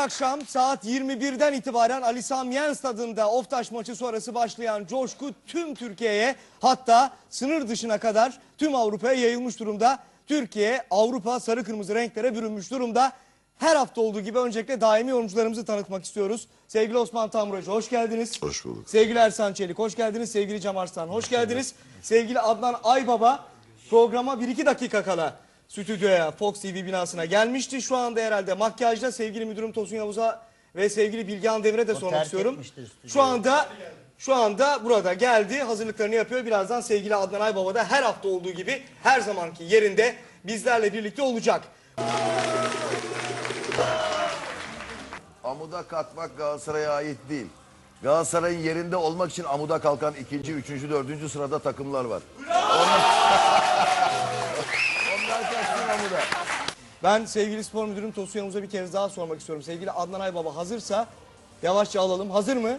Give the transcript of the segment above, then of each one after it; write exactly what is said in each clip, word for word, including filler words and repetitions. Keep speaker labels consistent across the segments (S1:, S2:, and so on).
S1: akşam saat yirmi birden itibaren Ali Sami Yen stadında Oftaş maçı sonrası başlayan coşku tüm Türkiye'ye, hatta sınır dışına kadar tüm Avrupa'ya yayılmış durumda. Türkiye, Avrupa sarı kırmızı renklere bürünmüş durumda. Her hafta olduğu gibi öncelikle daimi yorumcularımızı tanıtmak istiyoruz. Sevgili Osman Tamburacı hoş geldiniz.
S2: Hoş bulduk.
S1: Sevgili Ersan Çelik hoş geldiniz. Sevgili Cem Arslan hoş geldiniz. Sevgili Adnan Aybaba programa bir iki dakika kala stüdyoya, Fox T V binasına gelmişti. Şu anda herhalde makyajda. Sevgili müdürüm Tosun Yavuz'a ve sevgili Bilgehan Demir'e de sormak istiyorum. Şu anda şu anda burada geldi. Hazırlıklarını yapıyor. Birazdan sevgili Adnan Aybaba da her hafta olduğu gibi her zamanki yerinde bizlerle birlikte olacak.
S2: Amuda kalkmak Galatasaray'a ait değil. Galatasaray'ın yerinde olmak için amuda kalkan ikinci, üçüncü, dördüncü sırada takımlar var. Onlar, Onlar kalksın amuda.
S1: Ben sevgili spor müdürüm Tosun Yavuz'a bir kez daha sormak istiyorum. Sevgili Adnan Aybaba hazırsa yavaşça alalım. Hazır mı?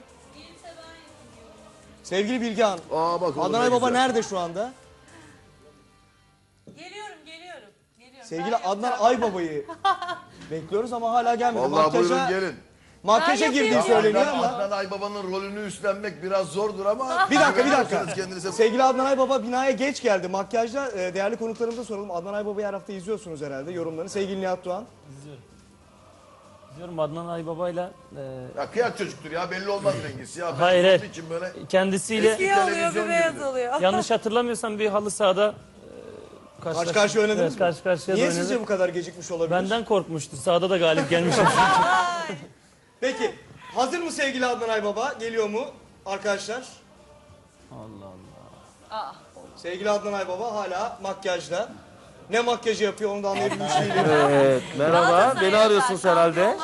S1: Sevgili Bilgehan.
S2: Aa, bak,
S1: Adnan Aybaba nerede şu anda?
S3: Geliyorum, geliyorum. geliyorum.
S1: Sevgili Adnan Aybaba'yı bekliyoruz ama hala gelmedi.
S2: Vallahi
S1: Makyaja,
S2: buyurun gelin.
S1: makyaja
S3: Ben
S1: girdiği
S3: yapayım.
S1: söyleniyor
S2: Adnan,
S1: ama.
S2: Adnan Aybaba'nın rolünü üstlenmek biraz zordur ama...
S1: Bir dakika bir dakika.
S2: güveniyorsanız kendinize...
S1: Sevgili Adnan Aybaba binaya geç geldi. Makyajda e, değerli konuklarımıza soralım. Adnan Aybaba'yı her hafta izliyorsunuz herhalde yorumlarını. Sevgili Nihat Doğan.
S4: İzliyorum. İzliyorum Adnan Aybaba'yla e,
S2: Ya kıyak çocuktur ya, belli olmaz rengisi ya. Ben
S4: Hayır, hayır.
S2: için böyle...
S4: kendisiyle
S3: Bir oluyor,
S2: televizyon
S3: bir beyaz
S2: gibi.
S3: oluyor.
S4: yanlış hatırlamıyorsam bir halı sahada e, karşı
S1: Karşı karşıya oynadınız
S4: evet,
S1: mı?
S4: karşı karşıya da
S1: Niye
S4: oynadık.
S1: sizce bu kadar gecikmiş olabilir?
S4: Benden korkmuştu. Sahada da galip gelmişim.
S1: Peki hazır mı sevgili Adnan Aybaba? Geliyor mu arkadaşlar?
S4: Allah Allah.
S1: Sevgili Adnan Aybaba hala makyajda. Ne makyajı yapıyor onu da anlayabilmiş değilim.
S4: Evet, merhaba. Beni arıyorsunuz herhalde.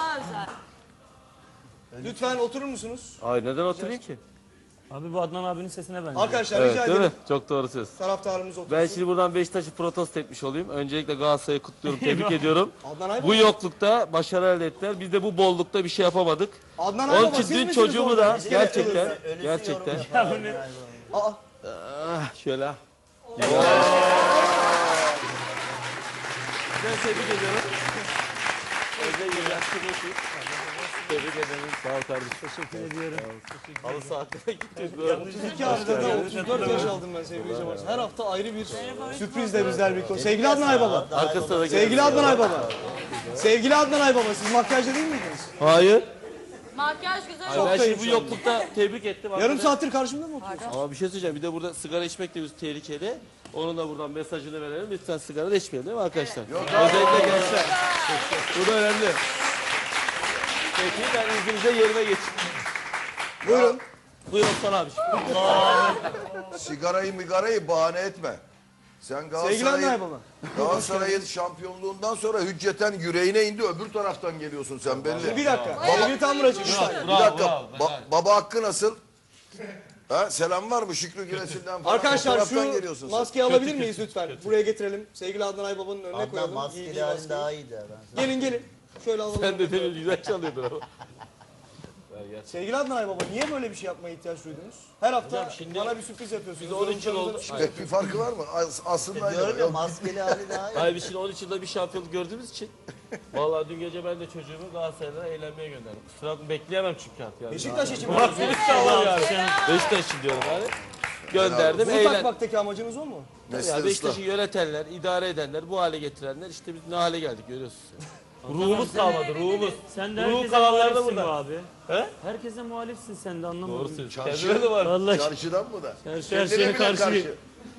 S1: Lütfen oturur musunuz?
S5: Ay neden oturayım ki?
S4: Abi bu Adnan abinin sesine benziyor.
S1: Arkadaşlar
S5: Evet
S1: rica
S5: değil mi?
S1: ederim.
S5: Çok doğru söz.
S1: Taraftarımız otursun.
S5: Ben şimdi buradan Beşiktaş'ı protesto etmiş olayım. Öncelikle Galatasaray'ı kutluyorum, tebrik ediyorum.
S1: Adnan Aybaba.
S5: Bu yoklukta başarı elde ettiler. Biz de bu bollukta bir şey yapamadık.
S1: Adnan
S5: Onun
S1: Aybaba
S5: için
S1: siz
S5: dün
S1: misiniz
S5: çocuğumu
S1: orada?
S5: da
S1: İskelet
S5: gerçekten,
S1: kılığında.
S5: gerçekten.
S1: Aa,
S5: Ah, şöyle. Ben tebrik ediyorum. Özellikle yaşlılık. Tebrik ederim. Sağ ol kardeşim. Teşekkür ediyorum. Halı saatine gittik.
S1: otuz iki haftada otuz dört yaş aldım ben sevgili Cem Arslan. Her hafta ayrı bir sürprizle bizler birlikte. Sevgili Adnan Aybaba.
S5: Arkasına da
S1: Sevgili Adnan Aybaba. Sevgili Adnan Aybaba siz makyajda değil miydiniz?
S5: Hayır.
S3: Makyaj güzel
S5: Hayır, ben
S1: da
S5: şimdi bu
S1: iyi
S5: yoklukta tebrik ettim.
S1: Yarım
S5: Hakikaten-
S1: saattir karşımda mı oturuyorsun?
S5: Ama bir şey söyleyeceğim. Bir de burada sigara içmek de bir tehlikeli. Onun da buradan mesajını verelim. Lütfen sigara da içmeyelim değil mi arkadaşlar? Özellikle gençler. Bu da önemli. Peki ben izninizle yerime geçeyim.
S1: Buyurun.
S5: Buyurun Osman abi.
S2: Sigarayı migarayı bahane etme. Sen
S1: Sevgili Adnan
S2: Galatasaray'ın
S1: Aybaba.
S2: Galatasaray'ın şampiyonluğundan sonra hücceten yüreğine indi, öbür taraftan geliyorsun sen belli.
S1: Bir dakika. Sevgili Tamburacı. lütfen.
S2: Bir dakika, ba- baba Hakkı nasıl? Ha, selam var mı Şükrü Güneş'inden falan?
S1: Arkadaşlar
S2: O taraftan
S1: şu
S2: geliyorsun sen.
S1: maskeyi alabilir miyiz lütfen? Buraya getirelim. Sevgili Adnan Aybaba'nın önüne
S6: Adnan
S1: koyalım.
S6: maskeli
S1: Giydiği
S6: halin
S1: maskeyi.
S6: daha iyiydi. Ben
S1: Gelin gelin. Şöyle alalım.
S5: Sen de demin güzel çalıyordun ama.
S1: Sevgili Adnan Aybaba niye böyle bir şey yapmaya ihtiyaç duydunuz? Her hafta
S5: Hocam şimdi
S1: bana bir sürpriz yapıyorsunuz.
S5: biz on üç yıl oldu.
S1: Yorumcularımıza-
S2: Pek bir farkı var mı? As- Aslında aynı.
S6: diyorum ya
S2: Yok.
S6: maskeli hali daha iyi.
S5: Hayır biz şimdi on üç yılda bir şampiyonluk gördüğümüz için. Vallahi dün gece ben de çocuğumu Galatasaray'da eğlenmeye gönderdim. Kusura bakma bekleyemem çünkü artık yani.
S1: Beşiktaş için mi?
S5: Beşiktaş için diyorum yani. Gönderdim
S1: Bunu
S5: eğlen.
S1: takmaktaki amacınız o mu?
S2: Mesle
S5: Ya
S2: ıslah.
S5: Beşiktaş'ı yönetenler, idare edenler, bu hale getirenler işte biz ne hale geldik görüyorsunuz. Ruhumuz kalmadı, ruhumuz.
S4: Sen de
S5: Ruhu
S4: herkese
S5: kalanlar da
S4: muhalifsin
S5: burada.
S4: bu abi.
S5: He?
S4: Herkese muhalifsin sen de anlamadım.
S5: Doğru söylüyorsun.
S2: Çarşı-
S5: Kendine de var.
S4: Vallahi
S2: Çarşıdan mı da?
S4: her, her
S2: Kendine
S4: şeye
S2: bile
S4: karşı.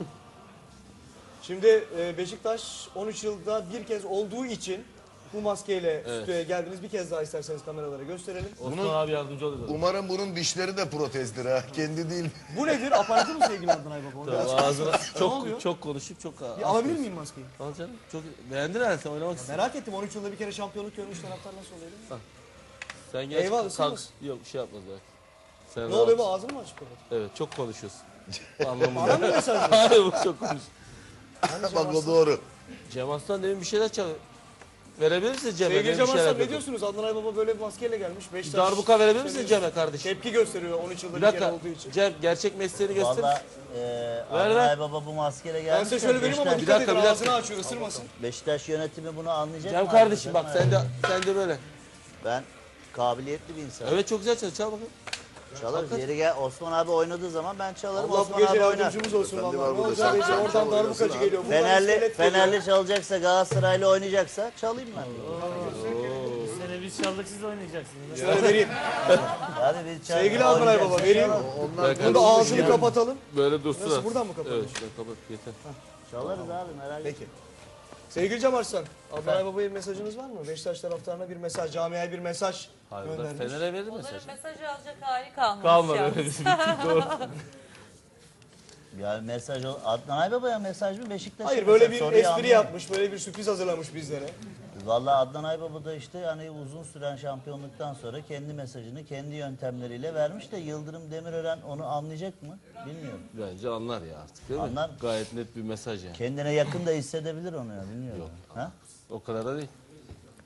S1: Şimdi e, Beşiktaş on üç yılda bir kez olduğu için bu maskeyle stüdyoya geldiniz. Bir kez daha isterseniz kameralara gösterelim.
S5: Osman abi yardımcı oluyor.
S2: Umarım bunun dişleri de protezdir ha. Kendi değil.
S1: Bu nedir? Aparatı mı sevgili Adnan Aybaba? Onu biraz-
S5: Ağzına
S1: oluyor?
S5: çok çok konuşup çok
S1: Bir alabilir miyim maskeyi?
S5: Al canım. Çok beğendin herhalde sen oynamak istiyorsun.
S1: Merak ettim on üç yılda bir kere şampiyonluk görmüş taraftar nasıl oluyor değil mi?
S5: Sen gel.
S1: Eyvallah,
S5: kalk.
S1: ısınmaz.
S5: Yok bir şey yapmaz belki. Sen
S1: Ne
S5: rahat-
S1: oluyor bu ağzını mı açık kapat?
S5: Evet çok konuşuyorsun.
S1: Bana
S5: Anlamında.
S1: mı mesaj veriyorsun?
S5: Hayır bu çok konuş.
S2: Bak o doğru.
S5: Cem Aslan demin bir şeyler çalıyor. Verebilir misiniz Cem'e?
S1: Sevgili
S5: Demin
S1: Cem
S5: bir şeyler
S1: Arslan ne
S5: yapıyordu.
S1: diyorsunuz? Adnan Aybaba böyle bir maskeyle gelmiş.
S5: Bir
S1: Beşiktaş
S5: darbuka verebilir misiniz Cem'e kardeşim?
S1: tepki gösteriyor on üç yılda
S5: Bir
S1: bir, kere
S5: dakika.
S1: olduğu için.
S5: Cem gerçek mesleğini göster.
S6: Valla e,
S5: ver.
S6: Adnan Baba bu maskeyle gelmiş.
S1: Ben size şöyle vereyim ama
S6: Beşiktaş,
S1: dikkat
S5: dakika,
S1: edin
S5: bir
S1: ağzını
S5: dakika.
S1: açıyor ısırmasın.
S6: Beşiktaş yönetimi bunu anlayacak
S5: Cem
S6: mı?
S5: kardeşim bak
S6: Anlayacak
S5: sen
S6: mı?
S5: de sen de böyle.
S6: Ben kabiliyetli bir insan.
S5: Evet çok güzel çalıyor. Çal bakalım.
S6: Çalarız. Yeri gel. Osman abi oynadığı zaman ben çalarım.
S1: Allah bu
S6: Osman
S1: gece
S6: abi oynar.
S1: yardımcımız olsun
S2: Efendi
S1: vallahi.
S2: var
S1: Ne
S2: burada,
S1: olacak
S2: sen
S1: gece
S2: çal,
S1: oradan
S2: çal,
S1: darbukacı
S2: oynasın
S1: geliyor. Buradan
S6: Fenerli,
S1: iskelet geliyor.
S6: Fenerli çalacaksa, Galatasaraylı oynayacaksa çalayım ben.
S4: Bu sene biz çaldık siz oynayacaksınız.
S1: Şöyle vereyim.
S6: Hadi biz çal.
S1: Sevgili Adnan Baba vereyim.
S2: Onlar
S1: Bunu da ağzını kapatalım.
S5: Böyle dursun.
S1: Nasıl,
S5: ha.
S1: buradan mı kapatalım?
S5: Evet şuradan kapat yeter.
S6: Çalarız abi merak etme.
S1: Peki. Sevgili Cem Arslan, Adnan Baba'ya bir mesajınız var mı? Beşiktaş taraftarına bir mesaj, camiaya bir mesaj
S5: Hayır, o da
S1: göndermiş.
S5: Fener'e verir
S3: Onların
S5: mesaj.
S3: mesajı alacak hali kalmamış.
S5: Kalmadı
S3: yalnız.
S5: öyle bizim doğru.
S6: Ya mesaj ol. Adnan Aybaba'ya mesaj mı Beşiktaş'a?
S1: Hayır böyle
S6: mesaj?
S1: bir
S6: Soruyu
S1: espri
S6: anlamadım.
S1: yapmış, böyle bir sürpriz hazırlamış bizlere.
S6: Vallahi Adnan Aybaba da işte hani uzun süren şampiyonluktan sonra kendi mesajını kendi yöntemleriyle vermiş de Yıldırım Demirören onu anlayacak mı? Bilmiyorum.
S5: Bence anlar ya artık değil mi?
S6: Anlar.
S5: Gayet net bir mesaj yani.
S6: Kendine yakın da hissedebilir onu ya bilmiyorum. Ha?
S5: O kadar da değil.